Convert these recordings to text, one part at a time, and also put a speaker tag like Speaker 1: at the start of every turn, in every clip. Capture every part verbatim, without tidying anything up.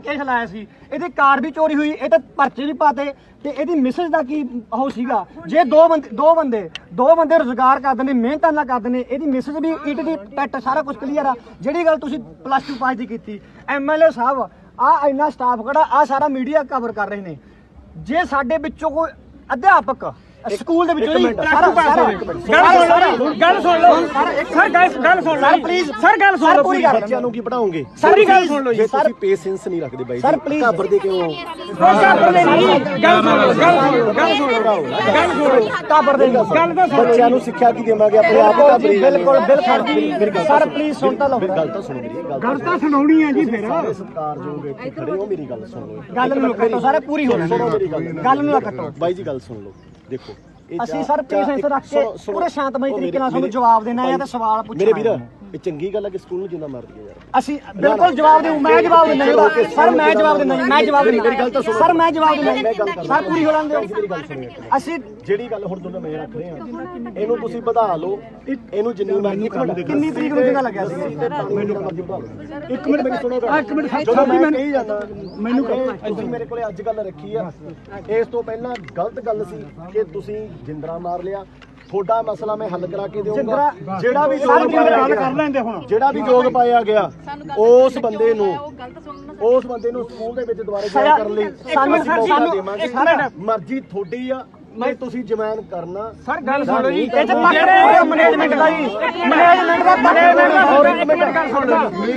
Speaker 1: Case ਲਾਇਆ ਸੀ, ਇਹਦੀ ਕਾਰ ਵੀ ਚੋਰੀ ਹੋਈ, ਇਹ ਤਾਂ ਪਰਚੇ ਵੀ ਪਾਤੇ ਤੇ ਇਹਦੀ ਮਿਸਜ ਦਾ ਕੀ ਉਹ ਸੀਗਾ। ਜੇ ਦੋ ਬੰਦੇ ਦੋ ਬੰਦੇ ਦੋ ਬੰਦੇ ਰੁਜ਼ਗਾਰ ਕਰਦੇ ਨੇ, ਮਿਹਨਤਾਂ ਨਾਲ ਕਰਦੇ ਨੇ, ਇਹਦੀ ਮਿਸਜ ਵੀ ਈਟ ਦੀ ਟੈਟ ਸਾਰਾ ਕੁਝ ਕਲੀਅਰ ਆ। ਜਿਹੜੀ ਗੱਲ ਤੁਸੀਂ ਪਲੱਸ ਟੂ ਪਾਸ ਦੀ ਕੀਤੀ, ਐਮਐਲਏ ਸਾਹਿਬ ਆ ਇੰਨਾ ਸਟਾਫ ਖੜਾ, ਆ ਸਾਰਾ ਮੀਡੀਆ ਕਵਰ ਕਰ ਰਹੇ ਨੇ। ਜੇ ਸਾਡੇ ਵਿੱਚੋਂ ਕੋਈ ਅਧਿਆਪਕ ਸਕੂਲ ਦੇ ਵਿੱਚੋਂ ਸਾਰਾ ਸਾਰਾ ਗੱਲ ਸੁਣ ਲਓ ਸਰ, ਗੱਲ ਸੁਣ ਲਓ ਪਲੀਜ਼ ਸਰ, ਗੱਲ ਸੁਣ ਲਓ।
Speaker 2: ਬੱਚਿਆਂ ਨੂੰ ਕੀ ਪੜਾਓਗੇ?
Speaker 1: ਸਾਰੀ ਗੱਲ ਸੁਣ ਲਓ ਜੀ
Speaker 2: ਸਰ, ਤੁਸੀਂ ਪੇਸ਼ੈਂਸ ਨਹੀਂ ਰੱਖਦੇ ਬਾਈ
Speaker 1: ਸਰ ਪਲੀਜ਼।
Speaker 2: ਘਬਰਦੇ ਕਿਉਂ?
Speaker 1: ਘਬਰਦੇ ਨਹੀਂ, ਗੱਲ ਸੁਣ ਲਓ, ਗੱਲ ਸੁਣ ਲਓ, ਗੱਲ ਸੁਣ ਲਓ, ਗੱਲ ਸੁਣ ਲਓ, ਘਬਰਦੇ ਨਹੀਂ। ਗੱਲ ਤਾਂ ਸੁਣ। ਬੱਚਿਆਂ
Speaker 2: ਨੂੰ ਸਿੱਖਿਆ ਕੀ ਦੇਵਾਂਗੇ? ਆਪਣੇ ਆਪ ਦਾ
Speaker 1: ਬਿਲਕੁਲ ਬਿਲਕੁਲ ਸਰ, ਪਲੀਜ਼ ਸੁਣ ਤਾਂ ਲਓ।
Speaker 2: ਗੱਲ ਤਾਂ ਸੁਣੋ ਮੇਰੀ,
Speaker 1: ਗੱਲ ਤਾਂ ਸੁਣਾਉਣੀ ਹੈ ਜੀ। ਫਿਰ
Speaker 2: ਸਾਰੇ ਸਤਿਕਾਰਯੋਗ ਇੱਥੇ ਖੜੇ ਹੋ, ਮੇਰੀ ਗੱਲ ਸੁਣ ਲਓ।
Speaker 1: ਗੱਲ ਨੂੰ ਕੱਟੋ ਸਾਰੇ, ਪੂਰੀ ਹੋ
Speaker 2: ਸੁਣੋ ਮੇਰੀ ਗੱਲ,
Speaker 1: ਗੱਲ ਨੂੰ ਕੱਟੋ
Speaker 2: ਬਾਈ ਜੀ। ਗੱਲ ਸੁਣ ਲਓ, ਦੇਖੋ
Speaker 1: ਅਸੀਂ ਸਰ ਪੇਸ਼ੈਂਸ ਰੱਖ ਕੇ ਪੂਰੇ ਸ਼ਾਂਤਮਈ ਤਰੀਕੇ ਨਾਲ ਤੁਹਾਨੂੰ ਜਵਾਬ ਦੇਣਾ ਹੈ ਤੇ ਸਵਾਲ ਪੁੱਛਣਾ।
Speaker 2: ਮੇਰੇ ਵੀਰ, ਇਹ ਚੰਗੀ ਗੱਲ ਹੈ ਕਿ ਸਕੂਲ ਨੂੰ ਜਿੰਨਾ ਮਾਰਦੀ ਹੈ ਯਾਰ।
Speaker 1: ਅਸੀਂ ਬਿਲਕੁਲ ਜਵਾਬ ਦੇਉ, ਮੈਂ ਜਵਾਬ ਦਿੰਦਾ ਜੀ ਸਰ, ਮੈਂ ਜਵਾਬ ਦਿੰਦਾ ਜੀ, ਮੈਂ ਜਵਾਬ ਦਿੰਦਾ। ਮੇਰੀ ਗੱਲ ਤਾਂ ਸੁਣੋ ਸਰ, ਮੈਂ ਜਵਾਬ ਦਿੰਦਾ ਸਰ, ਪੂਰੀ ਹੋ ਲੈਣ ਦਿਓ।
Speaker 2: ਮੇਰੀ ਗੱਲ ਸੁਣੋ।
Speaker 1: ਅਸੀਂ
Speaker 2: ਜਿਹੜੀ ਗੱਲ ਹੁਣ ਦੋਨੋਂ ਮੈਂ ਰੱਖ ਰਹੇ ਹਾਂ, ਇਹਨੂੰ ਤੁਸੀਂ ਵਧਾ ਲਓ, ਇਹਨੂੰ ਜਿੰਨੀ ਮਰਜ਼ੀ ਕਰ ਲਓ।
Speaker 1: ਕਿੰਨੀ ਤਰੀਕ ਨੂੰ ਕਿਹਦਾ ਲੱਗਿਆ ਸੀ?
Speaker 2: ਮੈਨੂੰ ਮਰਜ਼ੀ ਵਧਾ ਲਓ।
Speaker 1: ਇੱਕ ਮਿੰਟ ਮੈਨੂੰ ਸੁਣੋ, ਇੱਕ ਮਿੰਟ
Speaker 2: ਜਦੋਂ ਮੈਂ ਕਹੀ ਜਾਂਦਾ ਮੈਨੂੰ ਤੁਸੀਂ ਮੇਰੇ ਕੋਲੇ ਅੱਜ ਗੱਲ ਰੱਖੀ ਆ, ਇਸ ਤੋਂ ਪਹਿਲਾਂ ਗਲਤ ਗੱਲ ਸੀ ਕਿ ਤੁਸੀਂ ਜਿੰਦਰਾ ਮਾਰ ਲਿਆ। ਤੁਹਾਡਾ ਮਸਲਾ ਮੈਂ ਹੱਲ ਕਰਾ ਕੇ ਦੇਵਾਂਗਾ। ਜਿਹੜਾ ਵੀ ਯੋਗ ਪਾਇਆ ਕਰ ਲੈਂਦੇ ਹੁਣ ਜਿਹੜਾ ਵੀ ਯੋਗ ਪਾਇਆ ਗਿਆ ਉਸ ਬੰਦੇ ਨੂੰ ਉਸ ਬੰਦੇ ਨੂੰ ਸਕੂਲ ਦੇ ਵਿੱਚ ਦੁਬਾਰਾ ਜੁਆਇਨ ਕਰਨ ਲਈ ਸਾਨੂੰ ਸਾਨੂੰ ਮਰਜ਼ੀ ਤੁਹਾਡੀ ਆ। ਨਹੀਂ ਤੁਸੀਂ ਜਮਾਨ ਕਰਨਾ ਸਰ। ਗੱਲ ਸੁਣੋ ਜੀ, ਇਹ ਚ ਮੈਨੇਜਮੈਂਟ ਦਾ ਜੀ, ਮੈਨੇਜਮੈਂਟ ਦਾ ਮੈਨੇਜਮੈਂਟ ਦਾ ਹੋਰ ਇੱਕ ਮਿੰਟ ਗੱਲ ਸੁਣ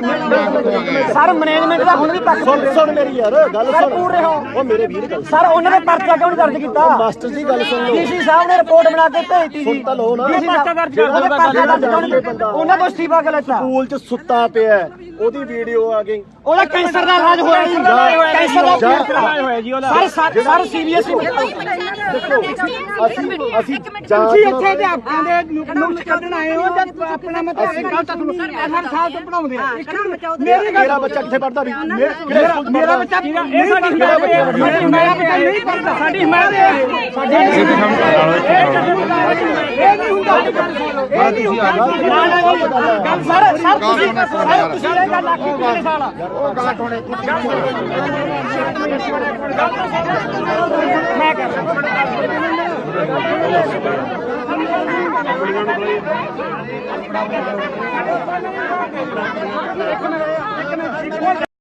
Speaker 2: ਲਓ ਸਰ। ਮੈਨੇਜਮੈਂਟ ਦਾ ਹੁਣ ਵੀ ਪੱਕ ਸੁਣ ਸੁਣ ਮੇਰੀ ਯਾਰ ਗੱਲ ਸੁਣ ਪੂਰੇ ਹੋ। ਉਹ ਮੇਰੇ ਵੀਰ ਗੱਲ ਸਰ, ਉਹਨਾਂ ਨੇ ਪਰਚਾ ਕਿਉਂ ਨਹੀਂ ਦਰਜ ਕੀਤਾ? ਮਾਸਟਰ ਜੀ ਗੱਲ ਸੁਣ ਲਓ। ਡੀਸੀ ਸਾਹਿਬ ਨੇ ਰਿਪੋਰਟ ਬਣਾ ਕੇ ਭੇਜਤੀ ਸੀ। ਸੁਣ ਤਾਂ ਲਓ ਨਾ, ਪਰਚਾ ਦਰਜ ਕਰ ਉਹਨਾਂ ਤੋਂ ਅਸਤੀਫਾ ਕਰ ਲਿਆ। ਸਕੂਲ 'ਚ ਸੁੱਤਾ ਪਿਆ, ਉਹਦੀ ਵੀਡੀਓ ਆ ਗਈ। ਉਹਦਾ ਕੈਂਸਰ ਦਾ ਇਲਾਜ ਹੋਇਆ ਜੀ, ਕੈਂਸਰ ਦਾ ਇਲਾਜ ਹੋਇਆ ਜੀ ਉਹਦਾ। ਸਰ ਸਰ ਸੀਰੀਅਸ ਦੇਖੋ, ਅਸੀਂ ਅਸੀਂ
Speaker 3: ਤੁਸੀਂ ਇੱਥੇ ਅਧਿਆਪਕਾਂ ਦੇ ਨੁਕਸ ਕੱਢਣ ਆਏ ਹੋ ਤੇ ਆਪਣਾ ਮਤਲਬ ਇਹ ਗੱਲ ਤਾਂ ਤੁਹਾਨੂੰ ਹਰ ਸਾਲ ਤੋਂ ਪੜਾਉਂਦੇ ਆ।
Speaker 2: ਮੇਰੀ ਮੇਰਾ ਬੱਚਾ ਕਿੱਥੇ ਪੜਦਾ ਵੀ?
Speaker 3: ਮੇਰਾ ਬੱਚਾ ਇਹ ਸਾਡੀ ਮੇਰਾ ਬੱਚਾ ਨਹੀਂ ਪੜਦਾ। ਸਾਡੀ ਹਿਮਾਇਤ ਹੈ, ਸਾਡੀ ਇਹ ਨਹੀਂ ਹੁੰਦਾ, ਇਹ ਨਹੀਂ ਹੁੰਦਾ।
Speaker 1: ਗੱਲ ਸਰ ਸਰ ਤੁਸੀਂ ਸਰ ਤੁਸੀਂ ਇਹ ਗੱਲ ਆਖੀ ਕਿੰਨੇ ਸਾਲ ਆ?
Speaker 2: ਉਹ ਗੱਲ ਥੋੜੇ
Speaker 1: ਮੈਂ ਕਰ